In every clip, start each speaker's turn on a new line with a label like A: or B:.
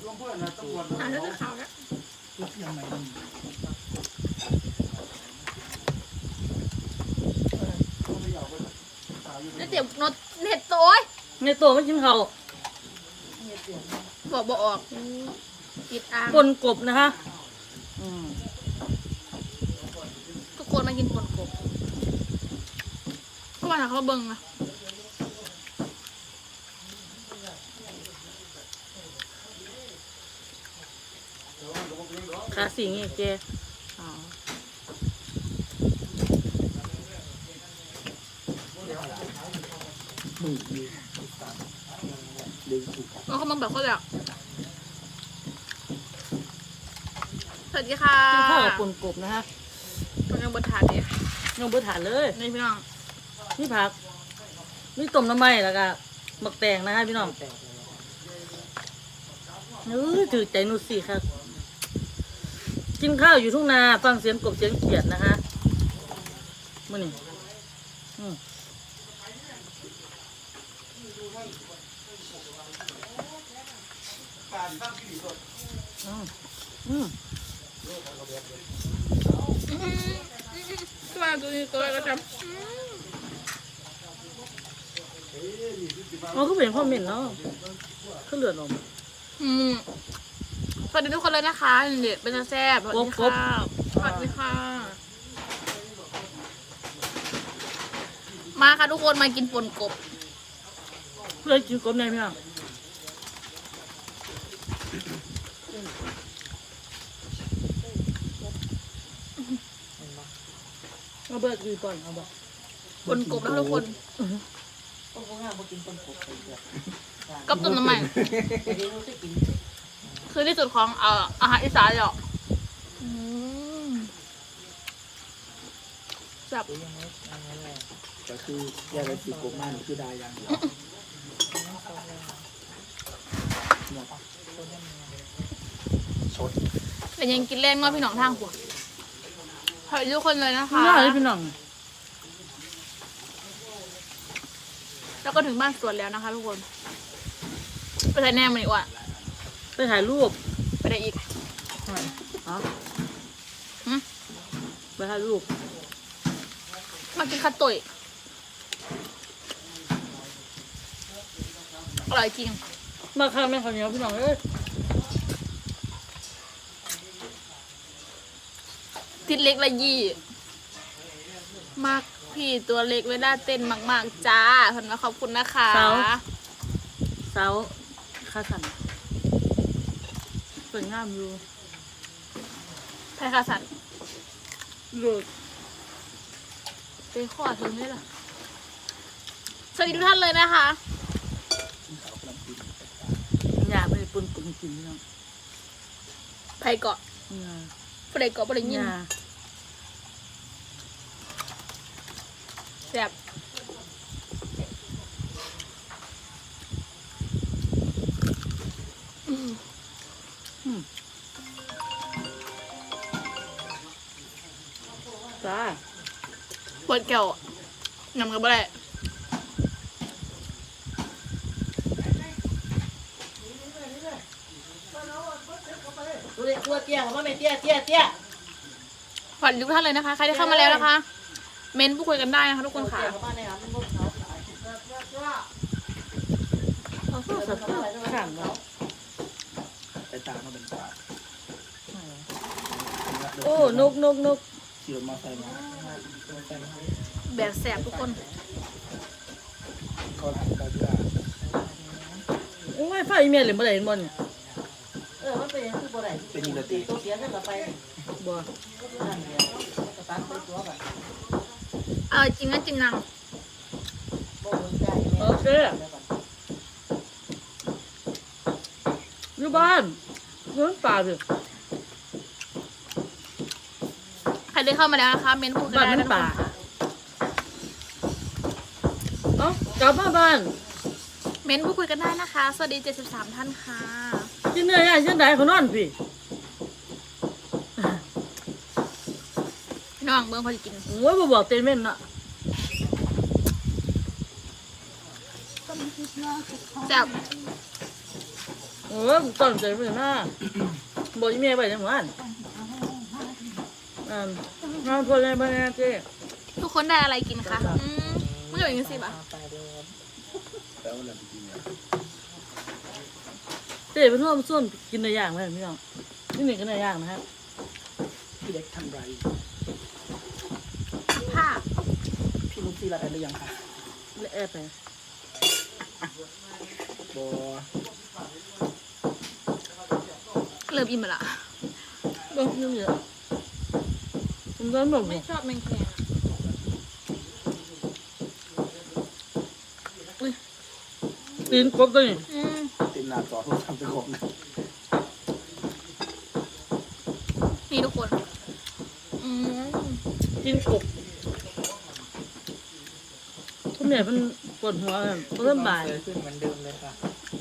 A: แล้วจะขาวแล้วนี่เดี๋ยวนดเน็ตโต้ย
B: ในตัวไม่กินเขา
A: บอกออกติดอ่าง
B: ปนกบนะคะ
A: ทุกคนมากินปนกบก็มาถามเขาเบิ้งนะ
B: ขาสิงเจ๊
A: แล้วเขามาแบบเขาแบบสวัสดีค่ะ
B: กินข้าวกับปนกบนะคะ
A: มันยังบนถาดเนี่ย
B: ยังบ่ทานเลย
A: นี่พี่น้อง
B: นี่ผักนี่ต้มน้ำมันแล้วก็หมักแตงนะคะพี่น้องถือใจนุสิครับกินข้าวอยู่ทุ่งนาฟังเสียงกบเสียงเขียดนะคะมื่อนี้
A: ตัวตัวนี้ตัวอะไรก็จำ
B: อ๋อก็เป็นข้อเหม็นเนาะก็เลือดออก
A: สวัสดีทุกคนเลยนะคะเด็ดเป็นแซ่บสวัสดีค่ะสวัสดีค่ะมาค่ะทุกคนมากินปนกบ
B: เพื่อกินกบในพี่น้องเอาเบิร์ดกินก่อนเอาบ่
A: ปนกบแล้วทุกคนกับต้มน้ำมันคือที่สุดของอาหารอีสานเหรอจับ
C: ก็คือแยกไปสีกบมากคือได้อย่างเดียวชด
A: แต่ยังกินเล่นว่าพี่น้องทางหัวขอบคุณทุกคนเลยนะคะ
B: น่าเลยพี่น้อง
A: แล้วก็ถึงบ้านสวนแล้วนะคะทุกคนไปถ่ายแน่มันอีกว่ะ
B: ไปถ่ายรูป
A: ไปได้อีก
B: อ๋อไปถ่ายรูป
A: มากินข้าวตุ๋ยอร่อยจริง
B: มาข้าวแม่ข้าวเหนียวพี่น้องเอ้ย
A: ติดเล็กละยี่มากพี่ตัวเล็กเวลาเต้นมากๆจ้าขอบคุณขอบคุณนะคะ
B: เสาข้าสันสวยงามอยู่
A: ไทยค่ะสัน
B: เลิศ
A: ไปขอถึงนี่แหละสวัสดีทุกท่านเลยนะคะ
B: อยากไปปนกลุ่มกินเนาะ
A: ไทยเกาะไปเกาะไปยินแซ่บ
B: จ้า
A: ปวดแก้วน้ำกับอะไร
B: ตัวเตี้ยของแม่เตี้ย
A: ขอบคุณทุกท่านเลยนะคะใครที่เข้ามาแล้วนะคะเม้นพูดคุยกันได้นะคะทุกคนค่ะ
B: ขังเนาะ
C: ไปตามมาเป็นตา
B: โอ้นก
C: ขี่รถมาใส่มา
A: แบบแสบทุกคน
C: เขาหลังตาที่ว่า
B: โอ้ยไฟเมียเลยบ่ได้เห็นบ่เนี่ย
D: มันเป็นคือบ่ได้
C: เป็นนิรตี
D: ตัวเสียกันไป
B: บ่
D: ตัดตัวแบบ
A: จริงนะจริงนัง
B: โอเคอยู่บ้านเงินป่าสิ
A: ใครได้เข้ามาแล้วนะคะเม้นพูดกันได้นะ
B: ป่า
A: คะ
B: กลับมาบ้าน
A: เม้นพูดคุยกันได้นะคะสวัสดี73ท่านค่ะ
B: กินเนื้อย่างเช่นใดเขานอนพี่
A: น้องเบิ้งพอจะกิน
B: โอ้ยบ่บอกเต้นเม่นน่ะ
A: แซ่บ
B: โอ้ยตอนใจไม่น่าบอกยี่เมย์ไปจังหวัดงานพอเลยบ้านเจ๊
A: ทุกคนได้อะไรกินคะไม่เหลืออย่างสิบอ่ะ
C: แล้วเราไปกินเนี่ย
B: เจ๊เป็นร่วมส่วนกินในอย่างไหมพี่น้องนี่หนึ่งกินในอย่างนะครับ
C: พี่เล็กทำไร
A: ผ้า
C: พี่นุ๊กซี่รับได้หรือยังคะ
B: และแอร์ไป
C: บอ
A: เริ่มอิ่มละ
B: บ้างยังเยอะผมร้อนแบบ
A: ไม่ชอบแมงแคง
B: ตีนกบตัวนี้
C: เต็มหน้าจอโทรศัพท์เป็นของนะ
A: นี่ทุกคน
B: ตีนกบทุกเนี่ยมันปวดหัวเริ่มบ่าย
C: ขึ้นเหมือนเดิมเลยค่ะ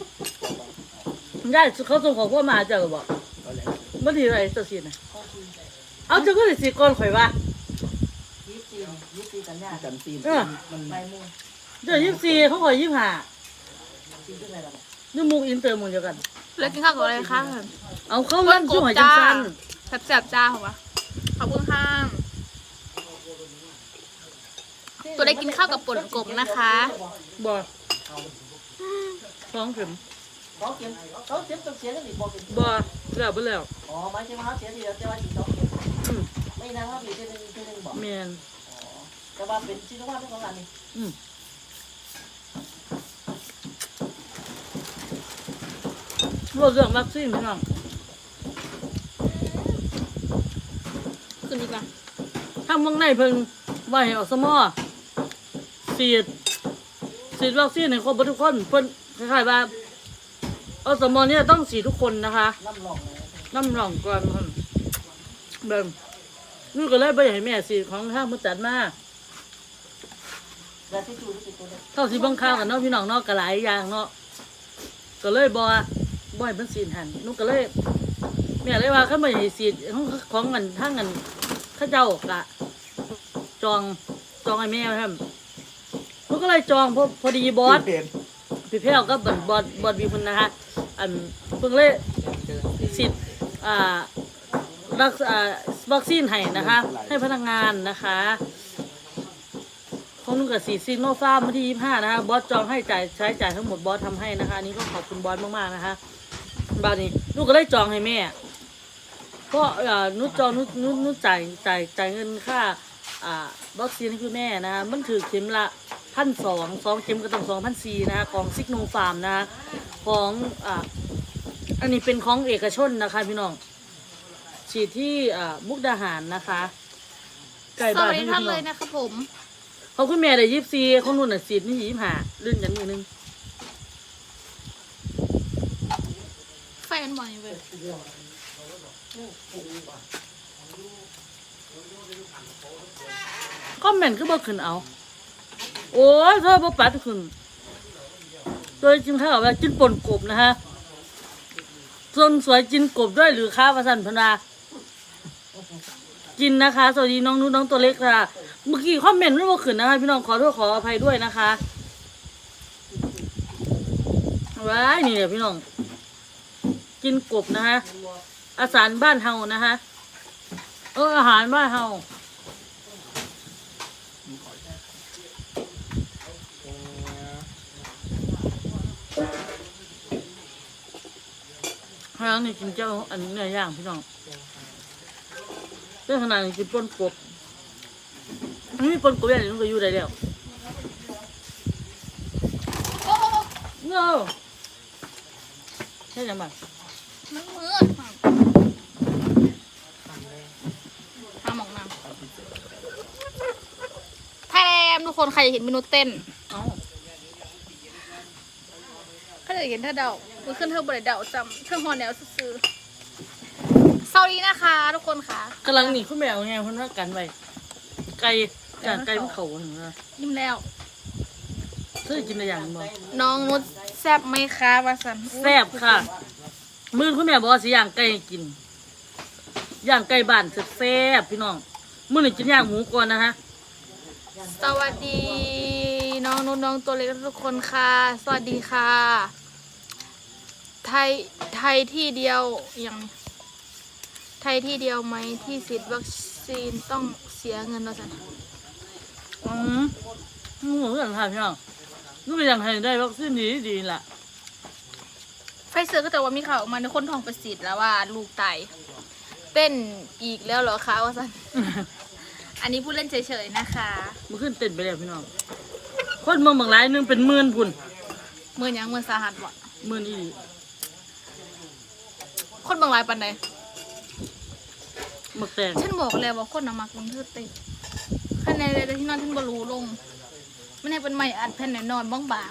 B: ได้เขาส่งของพวกมาเจอบอก
C: ก็แล้ว
B: เมื่อทีไรจะสีนะเอาเจ้าก็เลยสีก่อนข่อยว่า
D: 24กันยา
C: กันซีนมัน
D: ใบมูล
B: เดี๋ยว24เขาข่อย25
D: ซีขึ้นอะไรล่ะ
B: นี่มุกอินเตอร์หมุนเดียวกัน
A: แล้วกินข้าวกับอะไรคะ
B: เอาเข้าเล่นช่วยจังซัน
A: แซ่บๆจ้าของวะขอบคุณค่ะตัวได้กินข้าวกับป่นกบนะคะ
B: บ่2 เข็ม
D: เขาเก็บต้องเสียกันอีกบอกเป็น
B: บ่แล้วบ่แล้ว
D: อ๋อหมายถึงว่าเขาเสียทีเดียวแต่ว่าอีก2เก็บไม่นานว่ามีทีนึงบอก
B: แมน
D: แต่ว่าเป็นชิ้นว่าเป็นของอันนี้
B: เรื่องวัคซีนพี่น้อง
A: คืนนี้กัน
B: ทางเมืองในเพิ่งว่าให้อสมฉีดวัคซีนให้ครบทุกคนเพิ่นคล้ายๆว่าอสมเนี่ยต้องฉีดทุกคนนะคะ
D: น้ำหลองเลย
B: น้ำร่องก่อนเพิ่นเบิ่งนี่ก็เลยบ่อยากให้แม่ฉีดของทางมันจัดมา
D: แล้วที่จูที่ตัวเล็ก
B: เท่าสิเบิ่งข่าวกันเนาะพี่น้องเนาะก็หลายอย่างเนาะก็เลยบ่ให้มันฉีดหันนุก็เลยแม่เลยว่าคันบ่ให้ฉีดของเงินทางเงินเขาเจ้ากะจองให้แม่ครับนุก็เลยจองพอดีบอส
C: เป็น
B: พี่แพ้วก็บอดมีคนนะคะอันเพิ่งเลยฉีดวัคซีนให้นะคะ ให้พนักงานนะคะของนุ่งกับสีซีโนฟาร์มวันที่25นะคะบอสจองให้ใช้จ่ายทั้งหมดบอสทำให้นะคะอันนี้ก็ขอบคุณบอสมากๆนะคะบ้านนี้นุ่ก็ได้จองให้แม่เพราะนุ่จองนุ่จ่ายเงินค่าวัคซีนให้คุณแม่นะคะมันถือเข็มละ1,200 2 เข็มก็ต้อง2,400นะคะของซิกโนฟาร์มนะคะของอันนี้เป็นของเอกชนนะคะพี่น้องฉีดที่มุกดาหารนะคะไก่
A: ส
B: บ้า
A: วัน สดี
B: ให้
A: ท่าน
B: พี่
A: เล
B: น้อย ง
A: นะครับผม
B: เขาคุณแม่ได้24ของนุ่นน่ะฉีดนี่25ลื่นกันนิดนึง
A: แฟนบ่อยเว้ย
B: คอมเมนต์ก็บ่ขึ้นเอาโอ้ยเธอบ่ปัดขึ้นโดยจริงๆว่ากินป่นกบนะฮะส่วนสวยกินกบด้วยหรือค้าประสันพนากินนะคะสวัสดีน้องนุ่นน้องตัวเล็กค่ะเมื่อกี้คอมเมนต์ไม่ว่าขึ้นนะคะพี่น้องขอโทษขออภัยด้วยนะคะว้ายนี่เนี่ยพี่น้องกินกบนะคะอาหารบ้านเฮานะคะอาหารบ้านเฮาทางนี่กินเจ้าอันนี้เนื้อย่างพี่น้องเรื่องขนาดนี้กินปนกบอันนี้ปนกบอย่างนี้มันก็อยู่ได้แล้วเงาใช่ยังไง
A: มันมืดหาหมองน้ำไทยแลนด์ทุกคนใครอยากเห็นเมนูเต้น
B: เอ้า
A: ถ้าอยากเห็นถ้าเดามือขึ้นเธอบริเดาจำเครื่องฮอนแนวซื้อๆสวัสดีนะคะทุกคนค่ะ
B: กำลังหนีคุณแมวไงคนว่ากันไปไก่มันเขาถึงนะ
A: ยิ้มแล้ว
B: เธอกินอะไรอย่างบ่
A: น้องนุชแซ่บไหมคะวาสัน
B: แซ่บค่ะมื้อคุณแม่บอกว่าสิย่างไก่ให้กินย่างไก่บ้านแซ่บๆพี่น้องมื้อนี้กินย่างหมูก่อนนะฮะ
A: สวัสดีน้องนุชน้องตัวเล็กทุกคนค่ะ สวัสดีค่ะไทยที่เดียวอย่างไทยที่เดียวไหมที่ฉีดวัคซีนต้องเสียเงินเราสัน
B: หนูอย่างไรพี่น้องหนูอย่างไรได้วัคซีนดีล่ะ
A: ไฟเซอร์ก็แต่ว่ามีข่าวออกมาในคนท้องไปฉีดแล้วว่าลูกตายเต้นอีกแล้วเหรอคะว่าสัน อันนี้พูดเล่นเฉยๆนะคะ
B: มันขึ้นเต้นไปแล้วพี่น้องคนเมืองบางรายหนึงเป็น10,000พุ่น
A: เมื่อยังเมื่อสาหัสวะ
B: 10,000อีหลี
A: คนบางรายปันใด
B: หมักแตง
A: ฉันบอกแล้วว่าคนน่ะมักลงเทือเต้นคะแนนเลยที่นอนฉันบรูลงไม่ได้เป็นไม้อัดแผ่นนอนบาง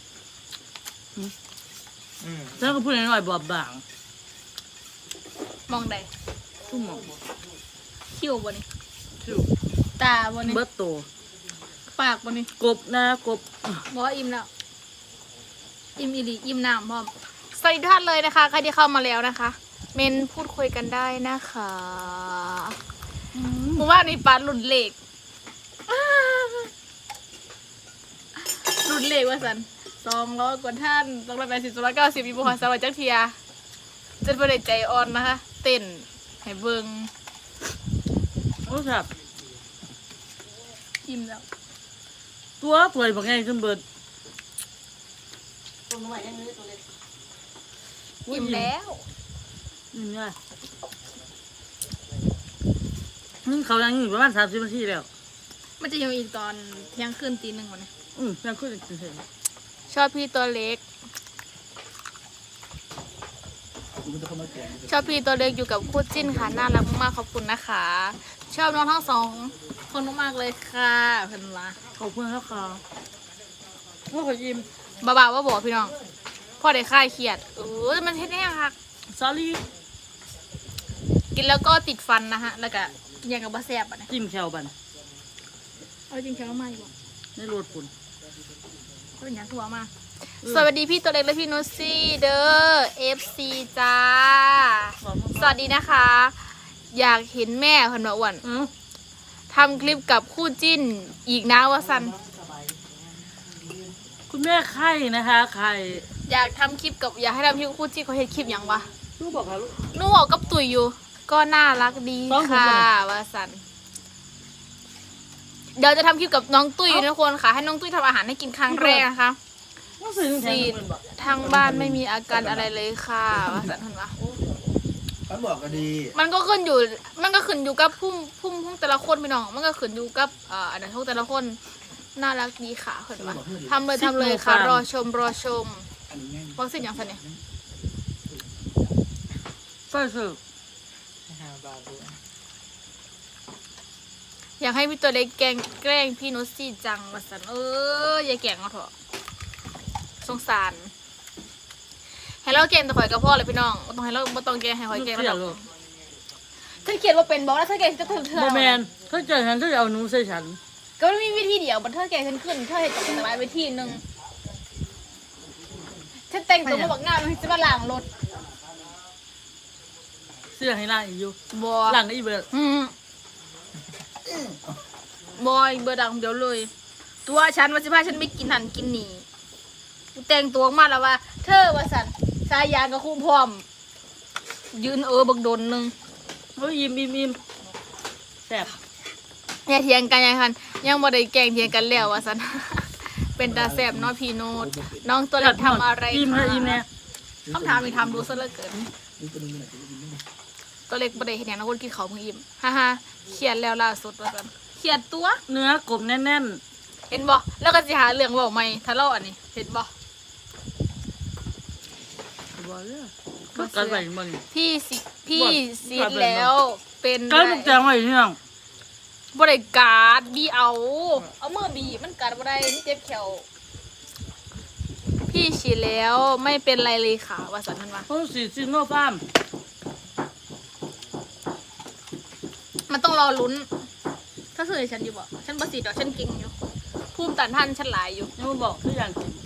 B: ฉันก็พูดน้อยๆบอบบาง
A: ๆมองใด
B: ทุ่มหมอง
A: คิ้วบ่นี่
B: คิว
A: ตาบ่นี่
B: เบิดโต
A: ปากบ่นี่
B: กบนะกบ
A: บอกว่าอิ่มแล้ว อิ่มอีหลีอิ่มน้ำพร้อมสวัสดีทุกท่านเลยนะคะใครที่เข้ามาแล้วนะคะ เมนพูดคุยกันได้นะคะผมว่านี่ปลาหลุดเหล็กหลุดเหล็กว่าสัน200 กว่าท่าน280 290มีบุคคลสวัสดิ์จักเทียจนประเด็ใจอ่อนนะคะ เต้นให้เบิง
B: โอ้ครับ
A: อิ่มแล้ว
B: ตัวป่วยบางไงจนเบิด
D: ตัวใหม่ยังนี้ตัวเล็ก
A: อิ่มแล้ว
B: นี่ไงนี่เขายังอยู่ประมาณ30 นาทีแล้ว
A: มันจะยังอีกตอนเที่ยงคืนตี 1วันนี้
B: ยังขึ้นอีกเฉย
A: ชอบพี่ตัวเล็ก
C: มันจะเข้ามาแกง
A: ชอบพี่ตัวเล็กอยู่กับคู่จิ้นค่ะน่ารักมากๆขอบคุณนะคะ ชอบน้องทั้งสองคนมากๆเลยค่ะเพิ่นว่า
B: ๆขอบคุณครับค่ะว่าขอยิ้ม
A: บ่าวๆว่าบอกพี่น้องพ่อได้คลายเครียดมันเฮ็ดได้ยังคะ
B: sorry
A: กินแล้วก็ติดฟันนะฮะแล้วก็ยังกับบะแซ่บอ่ะนะ
B: จิ้มแควบัน
A: เอาจริงๆแล้วไม่บอก
B: ในรถปุ่น
A: ก็เป็นอย่างทั่วมาสวัสดีพี่ตัวเล็กและพี่นุชซี่เด้อ FC จ้าสวัสดีนะคะ อยากเห็นแม่เพิ่นว่าอ้วนทำคลิปกับคู่จิ้นอีกนะว่าสัน
B: คุณแม่ไข่นะคะไข่
A: อยากทำคลิปกับอยากให้ทำคลิปกับคู่จิ้นเขาเห็นคลิปอย่างวะ
B: ลูกบอกค่ะลูก
A: หนู่บอกกับตุ๋ยอยู่ ก็น่ารักดี
B: ต้อง
A: ค่ะ
B: ผมก่อน
A: ว่าสันเดี๋ยวจะทำคลิปกับน้องตุ้ยนะทุกคนค่ะ ให้น้องตุ้ยทำอาหารให้กินครั้งแรกนะคะ
B: ต้องซื้อแทน
A: ซีด
B: เงินบอก
A: ทางบ้านไม่มีอาการอะไรเลยค่ะว่าสันเห็นปะ
C: เขาบอกก็ดี
A: มันก็ขึ้นอยู่กับพุ่มแต่ละคนพี่น้อง มันก็ขึ้นอยู่กับอันนั้นทุกแต่ละคนน่ารักดีค่ะเห็นปะทำเลยค่ะ รอชม
C: อันนี้ง่าย
A: วัคซีนอย่างสันเนี่ย
B: ใส่เสิร์ฟ
C: 5 บาทด้วย
A: อยากให้พี่ตัวเล็กแกล้งพี่นุชซี่จังว่าสันอย่าแกล้งเอาเถอะสงสารให้เราแกล้งแต่ข่อยกับพ่อเลยพี่น้องบ่ต้องให้เราบ่ต้องแกล้งให้ข่อยแกล้ง
B: เสีย
A: แล้ว
B: ลูก
A: ถ้าเขียนว่าเป็นบอกแล้วถ้าแกล้งจะเถื่อน
B: โมแมนถ้าเจอฉันก็จะเอาหนูใส่ฉัน
A: ก็ไม่มีวิธีเดียวบันเทิงแกล้งฉันขึ้นเธอให้จับแต่ละวิธีหนึ่งฉันแต่งตัวมาบอกงานมันจะมาล้างรถ
B: เสื้อให้ล่างอีกอยู่
A: บอ
B: ล่างได้อีเบิร์ด
A: บอยเบอร์ดังเดี๋ยวเลย ตัวฉันว่าสิพาฉันไม่กินหันกินหนีกูแต่งตัวออกมาแล้วว่า เธอว่าสันสายยางกับคู่พร้อม ยืนบักโดนหนึ่ง
B: โอ้ยอิ่มแซ่บ
A: อย่าเถียงกันยังคันยังบ่ได้แกล้งเถียงกันแล้วว่าสัน เป็นตาแสบเน้อยพี่โนดน้องตัวเล็กทำอะไร
B: อิ่ม
A: คะ
B: นะอิ่มแน่
A: คำถามมีทำดูซะเหลือเกิน
C: นี่ตัวนึงไหนตัวนึง
A: ตัวเล็กบ่ได้เห็นอย่างนะคนกินเขาวเพิ่งอิ่มฮ่าฮ่าเครียดแล้วล่าสุดว่าสันเครียดตัว
B: เนื้อกบแน่น
A: เห็นบ่แล้วก็สิหาเรื่องเว้าใหม่ถ้าเล่าอันนี้เห็นบ่
B: ๆบอกเลยก็กัดไปมัน
A: พี่สิ
B: บ่
A: พี่
B: น
A: ซีดแล้วเป็น
B: กัดมันแจงไว้ที่นั่ง
A: บ่ได้การ์ดบีเอามือบีมันกัดบ่ได้มันเจ็บแขวพี่ฉีดแล้วไม่เป็นไรเลยค่ะว่าสันทันว่า
B: เขาสีซิโนฟาร์ม
A: มันต้องรอลุ้น ถ้าเสือฉันอยู่บ่ฉันบ่สีดอกฉันเก่งอยู่ภูมิต้านทานฉันหลายอยู่
B: ยังมาบอกคือยันเข็ม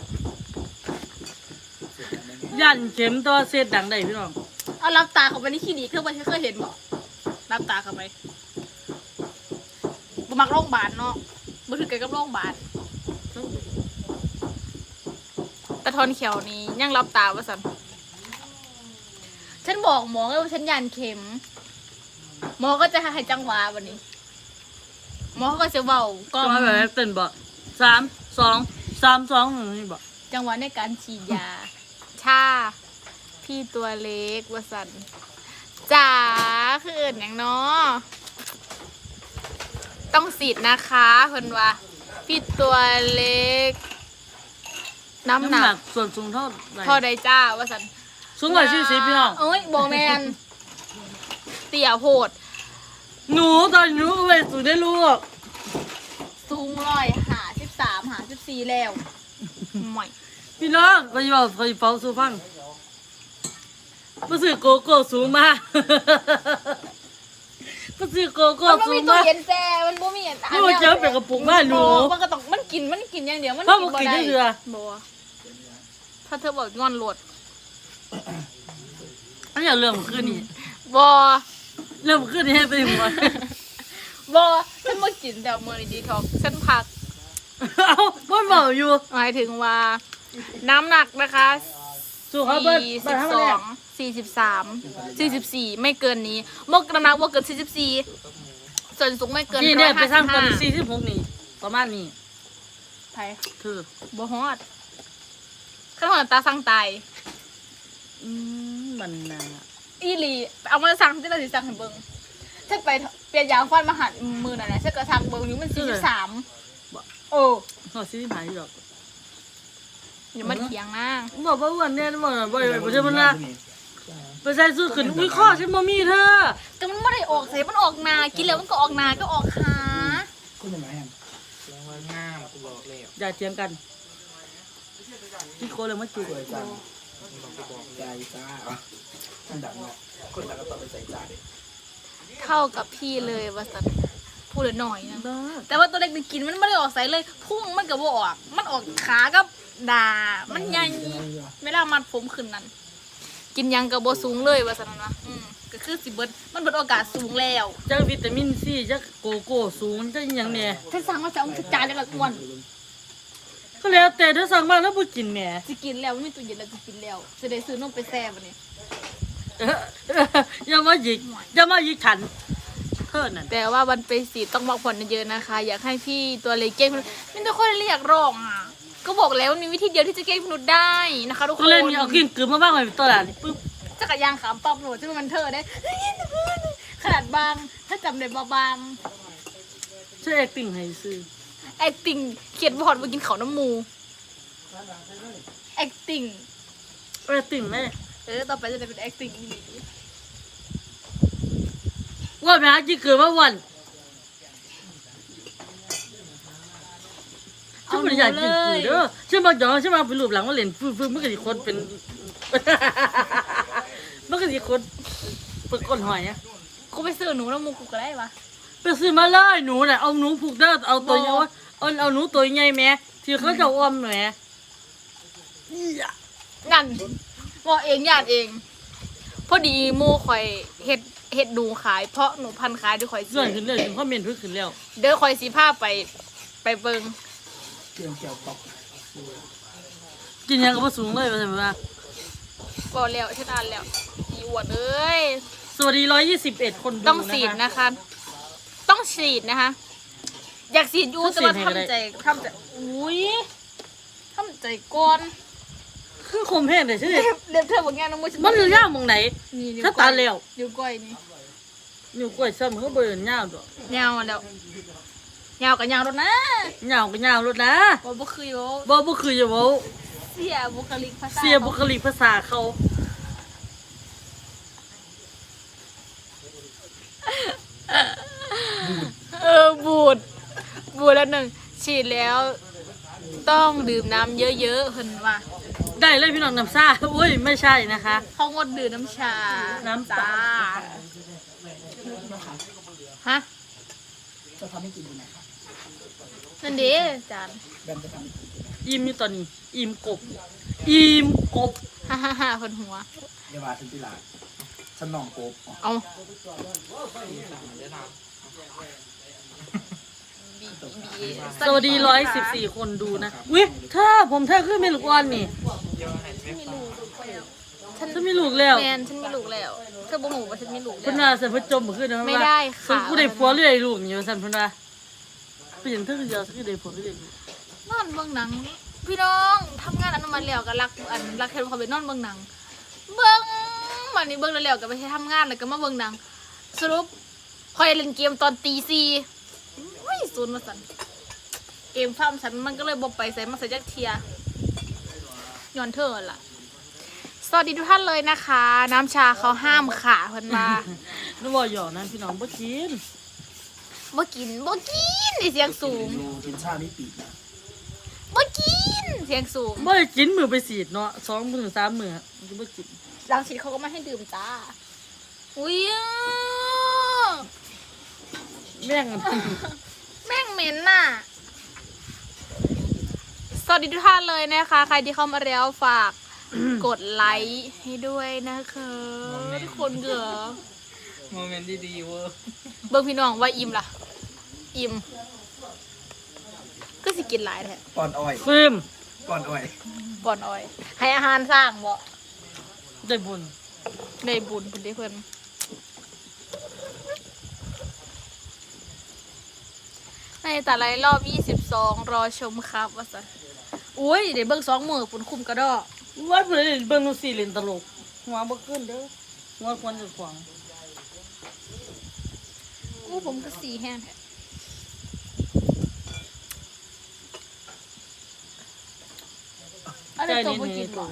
B: ยันเข็มตัวเศษดังได้พี่น้อง
A: เอารับตาเข้าไปในคลินิกเคยบ่เคยเห็นบ่รับตาเข้าไปบ่มักโรงพยาบาลเนาะบ่ถือกันกับโรงพยาบาลแต่ทอนเขียวนี่ยังรับตาว่าซั่นนบอกหมอไงว่าฉันยันเข็มหมอก็จะให้จังหวะวันนี้หมอก็จะเบาก็
B: ก็มาแบบเต้นบ่3 2 3 2นี่บ่
A: จังหวะในการฉีดยาชาพี่ตัวเล็กวสันจ๋าคืออื่นอย่างเนาะต้องฉีดนะคะเพิ่นว่าพี่ตัวเล็กน้ำหนัก
B: ส่วนสูงเท่าไหร่
A: พอได้จ้าวสัน
B: สูงกว่า40พี่น้อง
A: เอ้ยโบแมนเตี่ยโพด
B: หนูตอนหนูก็ไปสูงได้ลูก
A: สูง153 54แล้วไม่
B: พี่น้องก็จะบอกคอยเฝ้าสู้ฟังรู้สึกโกโก้สูงมากรู้สึกโกโก้
A: มัน
B: สู
A: ไม่
B: ง
A: มีตู้
B: มาก
A: เย็นแซ่มันบ่มี
B: นี่มันเจอเป็นกระปุกบ้านหนู
A: มันก็ต้องมันกินอย่างเดียวมัน
B: เพราะมันกินได้เรือ
A: บ่ถ้าเธอบอกงอนโหลด
B: อันนี้เรื่องมันขึ้นนี่
A: บ่
B: เรื่องมันขึ้นนี่ให้ไปหัว
A: บ่ฉันบ่กินแต่มื้อนี้ดีท็อกฉันพัก
B: เอ้าบ้านเมาอยู่
A: หมายถึงว่า น้ำหนักนะคะ
B: สู้เขาเบิ้ลเบิ้ลทำอะไร
A: 42 43 44ไม่เกินนี้มกน้ำหนักบ่เกิน44ส่วนสูงไม่เกิน
B: นี่เนี่ยไปสร้างตอน
A: 155
B: 46นี่ประมาณนี้
A: ไผ
B: คือ
A: บ่ฮอดข้างหลังตาสั่งตาย
B: มันน่ะ
A: อีหลีเอามาสั่งที่เราสิสั่งให้เบิ่งถ้าไปเปลี่ยนยางฟันมาหันมือนั่นน่ะฉันก็สั่งเบิ่งอยู่มัน43โอ้
B: เขาซื้อหายหรอก
A: อย่ามาเถียงนะ
B: บอกว่าวันนี้บอกว่าบ่ใช่มันละไปใส่สู้ขึ้นอุ้ยข้อฉันบ่มีเธอ
A: แต่มันไม่ได้ออกใส่มันออกนากินแล้วมันก็ออกนาก็ออกขา
C: คุณจะมาแฮมแรงว่าง่ามกูบอกเลย
B: อย่าเถียงกันพี่โคเลยมาจุก
C: สวยจังบอกใจจ้ามันดังเนาะคนดังก็ต้องไปใส่ใจ
A: เข้ากับพี่เลยว่าสันพูดหน่อยนะแต่ว่าตัวเล็กนี่กินมันไม่ได้ออกใส่เลยพุ่งมันก็บ่ออกมันออกขากับด่ามันใหญ่เวลามัดผมขึ้นนั่นกินหยังกับบ่สูงเลยว่าสันนะก็คือสิเบิดมันเบิดโอกาสสูงแล้ว
B: จักวิตามินซีจักโกโก้สูงจักหยังเนี่ย
A: ถ้าสั่งมาจะเอาจานเดียวละอ้วน
B: ก็แล้วแต่ถ้าสั่งมาแล้วบ่กินแหม
A: จะกินแล้วไม่มีตู้เย็นแล้วจะกินแล้วจะได้ซื้อนมไปแซ่บวันนี้
B: อย่ามาหยิกอย่ามาหยิกฉันเท่านั้น
A: แต่ว่าวันไปสีต้องพักผ่อนเยอะๆนะคะ อยากให้พี่ตัวเล็กเก้งไม่ต้องคนเรียกร้องอ่ะก็บอกแล้วมันมีวิธีเดียวที่จะเก้งมนุษย์ได้นะคะทุกค
B: ก็
A: น
B: เล่นนี่เอากินกลืนมาบ้างเลยตัวหลานปึ๊บ
A: จักรยานขามปั๊บหนูจะเป็นมันเธอได้ขนาดบางถ้าจำได้บาง
B: ช่วยแอคติ้งให้ซื้อ
A: acting เขียนบอร์ดมากินเขาน้ำมู acting
B: แอคติ้งแม่
A: ต่อไปจะได้เป็น acting อีก
B: ว่าไปหากินกลืนมาวันฉันไม่ได้อยากกินกลืนเด้อฉันมาหยองฉันมาไปรูปหลังว่าเล่นฟื้นมันก็สิคนเป็น มันก็สิคนเป็นก้นหอยอะ
A: กูไปซื้อหนูน้ำมูกูก็ได้ปะ
B: ไปซื้อมาเลยหนูน่ะเอาหนูผูกเด้อเอาตัวใหญ่วะเอาหนูตัวใหญ่แม่ที่เขาจะอ้อมแหม่อีอะ
A: งั้นบอกเองญาติเอง พอดีโมข่อยเฮ็ดหนูขายเพราะหนูพันขายด้วยข่อย
B: ส่วนขึ้นเลยถึงข้อเมนต์พึ่งขึ้นแล้ว
A: เด้อข่อยสีผ้าไปเบิง
C: เกี่ยวเกี่ยวตอก
B: กินยังก็บ่สูงเลยว่าซั่นว่า
A: บอกแล้วฉันอ่านแล้วอีอวดเอ้ย
B: สวัสดี121คนดู
A: ต้องฉีดนะคะ ต้องฉีดนะคะ อยากฉีดอยู่แต่ว่าทำใจอุ้ยทำใจก่อน
B: คือคมแห้งได้ใช่ไหม
A: เล็บเธอบอกงานน้องมุ้ย
B: มันอยู่ย่างหมองไหน
A: นี่
B: ถ้าตาแล้ว
A: นิ้วก้อยนี่
B: อยู่กล้วยซ้ำเขาบ่ได้ย่างดอก
A: ยาวแล้วยาวกับยาวรถนะ
B: ย่างก็ย่างรถนะ
A: บ่คือโย
B: บ่คือจะเว้า
A: เสียบุคลิกภาษา
B: เสียบุคลิกภาษาเขา
A: บูดแล้วหนึ่งฉีดแล้ว ต้องดื่มน้ำเยอะๆเห็นว่า
B: ได้เลยพี่น้องน้ำซ่าอุ้ยไม่ใช่นะคะ
A: เขางดดื่มน้ำชา
B: น้ำตา
A: ฮะ
C: จะทำให้กินยังไงครับ
A: นั่นเด้จาน
C: แบมจะทำ
B: อิ่มอยู่ตอนนี้อิ่มกบอิ่มกบ
A: ฮ่าคนหัว
C: เดี๋ยวมาถึงที่ร้านฉันนองโกบ
A: เอา
B: สวัสดี114คนดูนะวิเธอผมเธอขึ้นเมลูกอ่อนนี่
A: ไม่รู้ดูไปแล้ว
B: ฉันมีลูกแล้ว
A: แมนฉันมีลูกแล้วเธอบ่หูว่าฉันมีลูก
B: เพิ่น
A: แล้ว
B: ว่าฉันเพิ่นจมบ่ขึ้นนะ
A: ไม่ได้ค่ะ
B: กูได้ผัวหรือได้ลูกนี่ว่าซั่นเพิ่นว่าเป็นหยังเธอคือเดียวคือได้ผัวหรือได้ลูก
A: นอนเบิ่งหนัง พี่น้องทำงานอนุมัติแล้วก็รักเห็นเขาไปนอนเบิ่งหนัง เบิ่งวันนี้เบิ่งแล้วก็ไปทำงานแล้วก็มาเบิ่งหนัง สรุปคอยเล่นเกมตอนตีสี่อุ้ยศูนย์มาสั่นเกมฟาร์มฉันมันก็เลยบ่ไปใส่มาใส่จักเทียย้อนเธอล่ะ สวัสดีทุกท่านเลยนะคะ น้ำชาเขาห้ามขาเพิ่นมา
B: นึกว่าหยอกนั้นพี่น้องบ่กิน
A: บ่กินไอเสียงสูง
C: ดูกินชาไม่ปีกนะ
A: บ่กินเสียงสูง
B: บ่ได้กินมื้อไปสีดเนาะ2มื้อ3มื้อมันก็บ่กิน
A: หลังฉีดเขาก็ไม่ให้ดื่มจ้า อุ้ย
B: แม่ง
A: แม่งเหม็นน่ะ สวัสดีทุกท่านเลยนะคะ ใครที่เข้ามาแล้วฝาก กดไลค์ให้ด้วยนะคะทุกคนเกอ
C: โมเมนต์ดีๆเวอร์
A: เบิ่งพี่น้องว่าอิ่มล่ะ อิ่มก็สิกินหลายแท้
C: ก่อนอ้อย
B: ฟิล์ม
C: ก่อนอ้อย
A: ก่อนอ้อย ให้อาหารสร้างบ่
B: ได้บุญ
A: ในบุญเพิ่นได้เพิ่นในแต่ละรอบ22รอชมครับว่าซั่นอุ้ยเดี๋ยวเบิ่ง2มื้อฝุ่นคุมกระดอก
B: ว่าเพิ่นเล่นเบิ่งนูซี่เล่นตลกหัวบ่ขึ้นเด้อหัวควรจะขวาง
A: อู้ผมก็สีแห้งแท้อะไรตัวบ่กินบ่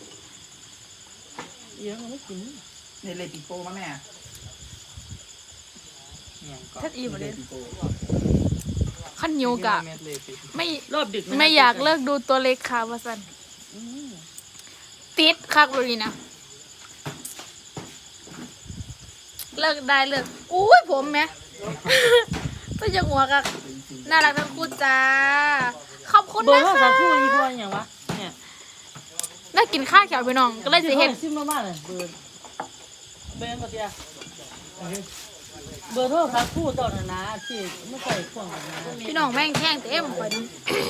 B: เอียงไม่กิน
C: ในเลปิโป้มาแม่เนี่ยก่อน
A: ทัดอีบ่เล่น
C: ปิโป้
A: ขันเหนียวกะ
C: เม็ดเลยปิ
A: ไม่
B: รอบดึกนะ
A: ไม่อยากเลิกดูตัวเล็กค่ะว่าซั่น
B: อืม
A: ติดคักเลยนะเลิกได้เลิกอุ้ยผมแม่ ก็ยังหัวกักน่ารักทั้งคู่จ้า ขอบคุณ
B: เบอ
A: นะ
B: ร์โทร
A: คะ
B: ศัพท์คู่อีกว่าอย่างวะเนี่ย
A: ได้กินข้าวเขียวพี่น้อง ก็เลยสิเห็น
B: ซิมมากๆเลยเบอร์ก็เดียวเบอร์โทรศัพท์คู่ตอนนั้นนะที่ไม่ใส่เครื่องกันนะ
A: พี่น้องแม่งแข้งเต็มไปนะ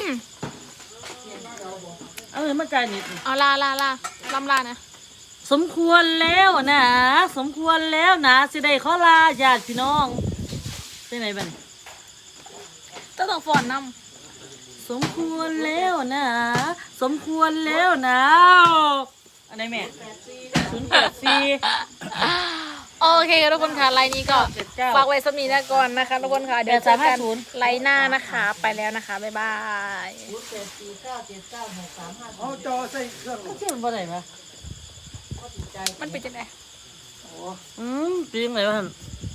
B: เอาเงินมาจ่ายนิด
A: เอาลาลำลานะ
B: สมควรแล้วนะสมควรแล้วนะสิได้ขอลาญาติพี่น้องไปไหนบ้าง
A: ต้องฟอนน้
B: สมควรแล้วนะ สมควรแล้วนะอันไหนแม่084
A: ำโอเคทุกคนค่ะไลน์นี้ก็
B: 79
A: ฝากไว้สมีนะก่อนนะคะทุกคนค่ะ เดี๋ยวเจอกัน
B: 8350
A: ไลน์หน้านะคะ ไปแล้วนะคะ บ๊ายบาย
C: เอาจอใส่เครื่อง
B: ก็เชื่อมันบ่ได้ปะ
A: มันเป็นจังไง
B: ปีงไหนวะท่าน